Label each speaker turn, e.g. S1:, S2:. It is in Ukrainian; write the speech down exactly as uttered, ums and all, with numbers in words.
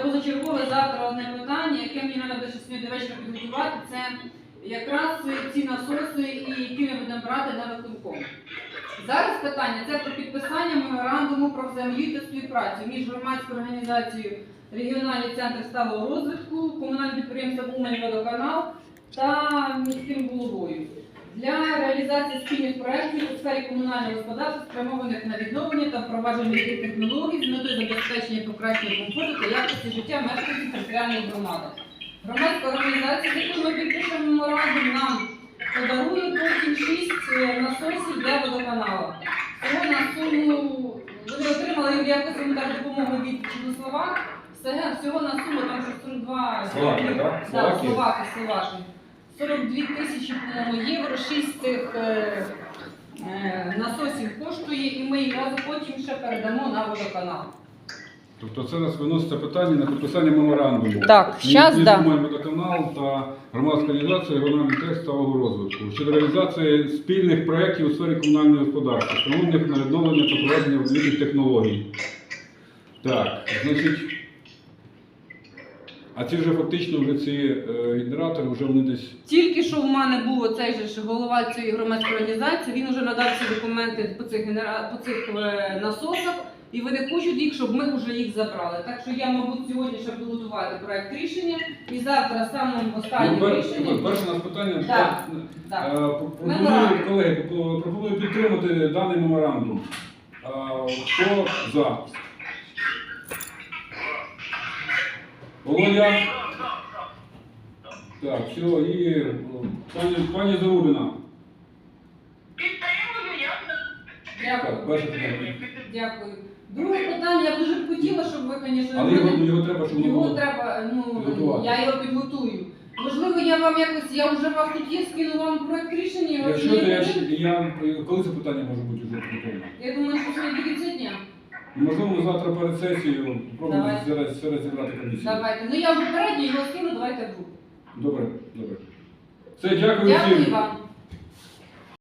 S1: позачергове завтра одне питання, яке мені треба буде сьогодні до вечора підготувати, це якраз ці насоси, і які ми будемо брати на виконком. Зараз питання це про підписання меморандуму про взаємодію та співпрацю між громадською організацією Регіональний центр сталого розвитку, комунальним підприємством «Умань-Водоканал» та міським головою для реалізації спільних проєктів у сфері комунального господарства, спрямованих на відновлення та впровадження нових технологій з метою забезпечення покращення комфорту та якості життя мешканців територіальної громади. Громадська організація, з якою ми підпишемо меморандум, нам подарує потім шість насосів для водоканалу. Всього на суму, вони отримали якусь гуманітарну допомогу від Чехословак, всього на суму там сорок два
S2: Словакія, так?
S1: Да, Словаки, Словаки. сорок дві тисячі, по-моєму, євро, шість цих е, е, насосів коштує, і ми їх разом потім ще передамо на водоканал.
S2: Тобто це нас виноситься питання на підписання меморандуму.
S1: Так, щас, да.
S2: «Умань-Водоканал» та громадська організація «Регіональний центр сталого розвитку» щодо реалізації спільних проєктів у сфері комунального господарства, спрямованих на відновлення та проведення нових технологій. Так, значить, а ці вже фактично вже ці е, генератори вже вони десь...
S1: Тільки що в мене був оцей же ж голова цієї громадської організації, він вже надав всі документи по цих, генера... по цих е, насосах, і вони хочуть їх, щоб ми вже їх забрали. Так що я, мабуть, сьогодні ще буду готувати проєкт рішення, і завтра самим останнім
S2: Ну,
S1: рішенням...
S2: перше у нас питання,
S1: Так, так.
S2: е, пропоную, колеги, пропоную підтримати даний меморандум. Е, Хто за? Володя? Так, все, і о, пані, пані Зарубіна.
S1: Дякую.
S2: Так, перше питання.
S1: Дякую. Друге питання, я б дуже б хотіла, щоб ви, звісно,
S2: Але його, його треба, щоб воно
S1: його
S2: було
S1: треба, ну,
S2: підготувати.
S1: я його підготую. Можливо, я вам якось, я вже вас тут є, скину вам проект рішення. його
S2: Якщо
S1: не
S2: то я,
S1: буде.
S2: ще- я, коли це питання може бути вже підготовлено?
S1: Я думаю, що сьогодні до кінця дня.
S2: Можливо, завтра перед сесією спробуємо
S1: Давай.
S2: зараз зараз зібрати комісію.
S1: Давайте. Ну я попередньо його скину, давайте в групу.
S2: Добре, добре. Все, дякую
S1: Дякую
S2: всім.
S1: вам.